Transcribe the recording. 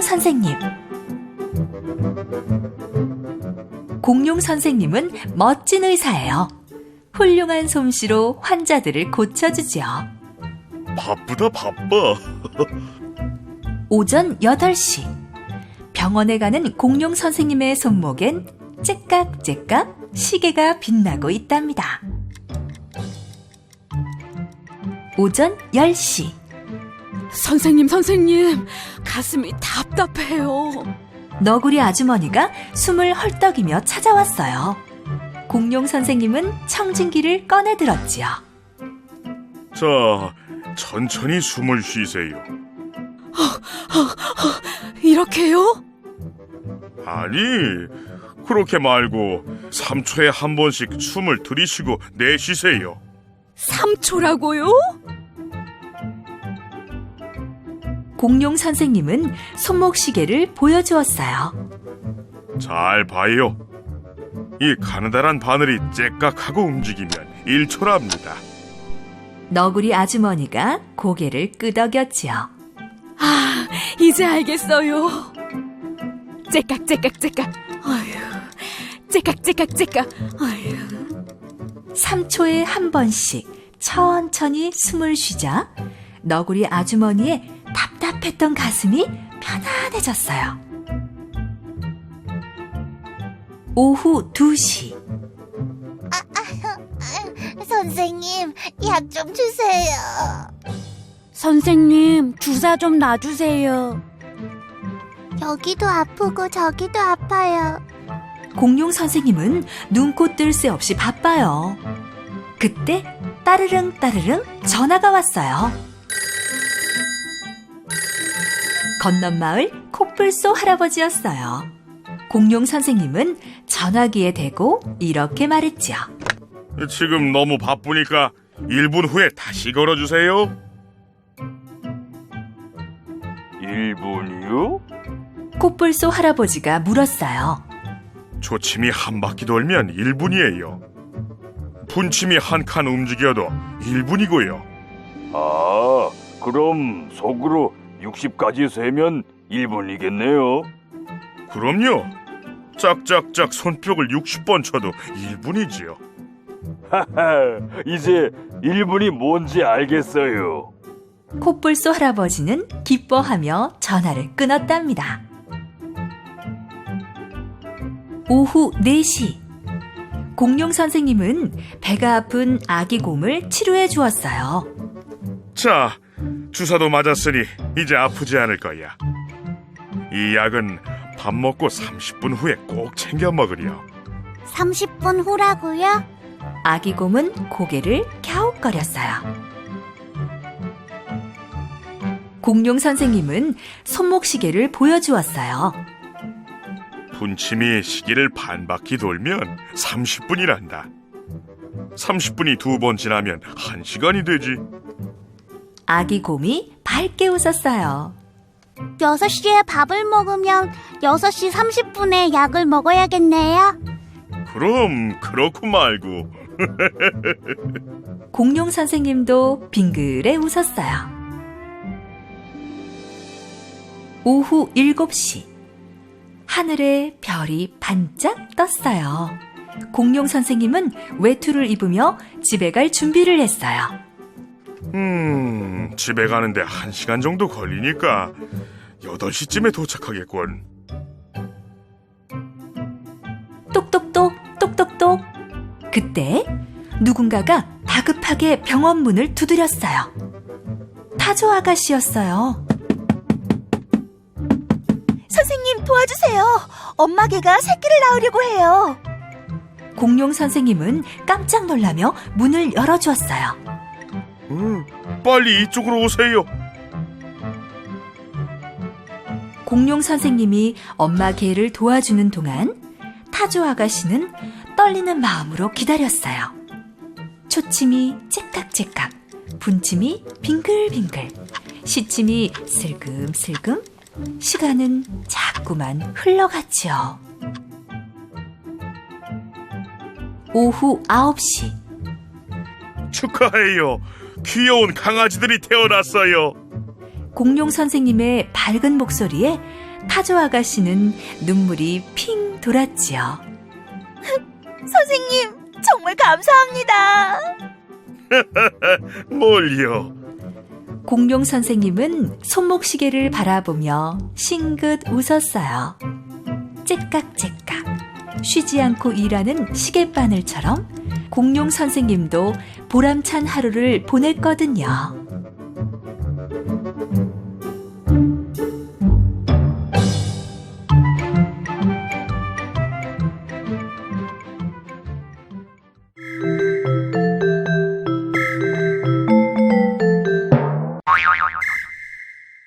선생님. 공룡 선생님은 멋진 의사예요. 훌륭한 솜씨로 환자들을 고쳐주지요. 바쁘다 바빠. 오전 8시. 병원에 가는 공룡 선생님의 손목엔 째깍째깍 시계가 빛나고 있답니다. 오전 10시. 선생님, 가슴이 답답해요. 너구리 아주머니가 숨을 헐떡이며 찾아왔어요. 공룡 선생님은 청진기를 꺼내 들었지요. 자, 천천히 숨을 쉬세요. 이렇게요? 아니, 그렇게 말고 3초에 한 번씩 숨을 들이쉬고 내쉬세요. 3초라고요? 공룡 선생님은 손목시계를 보여주었어요. 잘 봐요. 이 가느다란 바늘이 째깍하고 움직이면 1초랍니다. 너구리 아주머니가 고개를 끄덕였지요. 아, 이제 알겠어요. 째깍째깍째깍. 아휴, 째깍째깍째깍. 아휴. 3초에 한 번씩 천천히 숨을 쉬자 너구리 아주머니의 답답했던 가슴이 편안해졌어요. 오후 2시. 선생님, 약 좀 주세요. 선생님, 주사 좀 놔주세요. 여기도 아프고 저기도 아파요. 공룡 선생님은 눈코 뜰 새 없이 바빠요. 그때 따르릉 따르릉 전화가 왔어요. 건넌 마을 코뿔소 할아버지였어요. 공룡 선생님은 전화기에 대고 이렇게 말했지요. 지금 너무 바쁘니까 1분 후에 다시 걸어주세요. 1분이요? 코뿔소 할아버지가 물었어요. 초침이 한 바퀴 돌면 1분이에요. 분침이 한 칸 움직여도 1분이고요. 아, 그럼 속으로 60까지 세면 1분이겠네요. 그럼요. 짝짝짝 손뼉을 60번 쳐도 1분이지요. 하하, 이제 1분이 뭔지 알겠어요. 코뿔소 할아버지는 기뻐하며 전화를 끊었답니다. 오후 4시. 공룡 선생님은 배가 아픈 아기 곰을 치료해 주었어요. 자, 주사도 맞았으니 이제 아프지 않을 거야. 이 약은 밥 먹고 30분 후에 꼭 챙겨 먹으렴. 30분 후라고요? 아기 곰은 고개를 갸웃거렸어요. 공룡 선생님은 손목시계를 보여주었어요. 분침이 시계를 반 바퀴 돌면 30분이란다. 30분이 2번 지나면 1시간이 되지. 아기 곰이 밝게 웃었어요. 6시에 밥을 먹으면 6시 30분에 약을 먹어야겠네요. 그럼 그렇고 말고. 공룡 선생님도 빙그레 웃었어요. 오후 7시. 하늘에 별이 반짝 떴어요. 공룡 선생님은 외투를 입으며 집에 갈 준비를 했어요. 집에 가는데 1시간 정도 걸리니까 8시쯤에 도착하겠군. 똑똑똑 똑똑똑. 그때 누군가가 다급하게 병원 문을 두드렸어요. 타조 아가씨였어요. 선생님 도와주세요. 엄마 개가 새끼를 낳으려고 해요. 공룡 선생님은 깜짝 놀라며 문을 열어주었어요. 빨리 이쪽으로 오세요. 공룡 선생님이 엄마 개를 도와주는 동안 타조 아가씨는 떨리는 마음으로 기다렸어요. 초침이 째깍째깍, 분침이 빙글빙글, 시침이 슬금슬금, 시간은 자꾸만 흘러갔지요. 오후 9시. 축하해요. 귀여운 강아지들이 태어났어요. 공룡 선생님의 밝은 목소리에 타조 아가씨는 눈물이 핑 돌았지요. 선생님, 정말 감사합니다. 뭘요? 공룡 선생님은 손목시계를 바라보며 싱긋 웃었어요. 째깍째깍 쉬지 않고 일하는 시계바늘처럼 공룡 선생님도 보람찬 하루를 보냈거든요.